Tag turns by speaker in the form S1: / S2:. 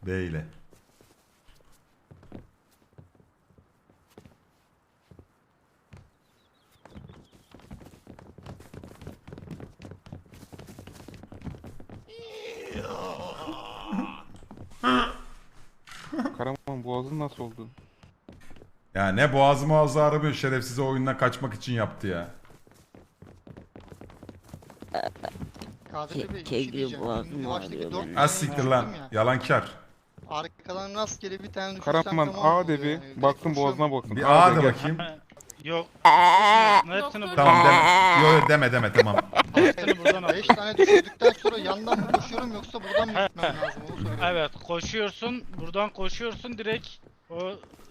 S1: B ile.
S2: Karaman boğazın nasıl oldu?
S1: Ya ne boğazı aramıyor, şerefsize oyundan kaçmak için yaptı ya.
S3: KDP Bey bir şey
S4: Kegri
S3: diyeceğim.
S4: boğazım
S3: Şimdi baştaki
S4: ağrıyor
S3: 4
S4: benim.
S1: Az siktir lan. Yalankar.
S3: Arkadan rastgele bir tane düşürsem
S2: Karaman
S3: tamam
S2: A
S3: oluyor
S2: de bir
S3: yani. Direkt
S2: baktım
S3: koşuyorum.
S2: boğazına baktım.
S1: Bir A
S2: de
S1: de
S2: gel.
S1: bakayım.
S5: Yok. Hepsini buradan.
S1: Tamam deme. Yo deme tamam.
S5: Hepsini buradan al.
S3: 5 tane düşürdükten sonra yandan mı koşuyorum yoksa buradan mı gitmem lazım onu söyle.
S5: Evet koşuyorsun. Buradan koşuyorsun direkt. O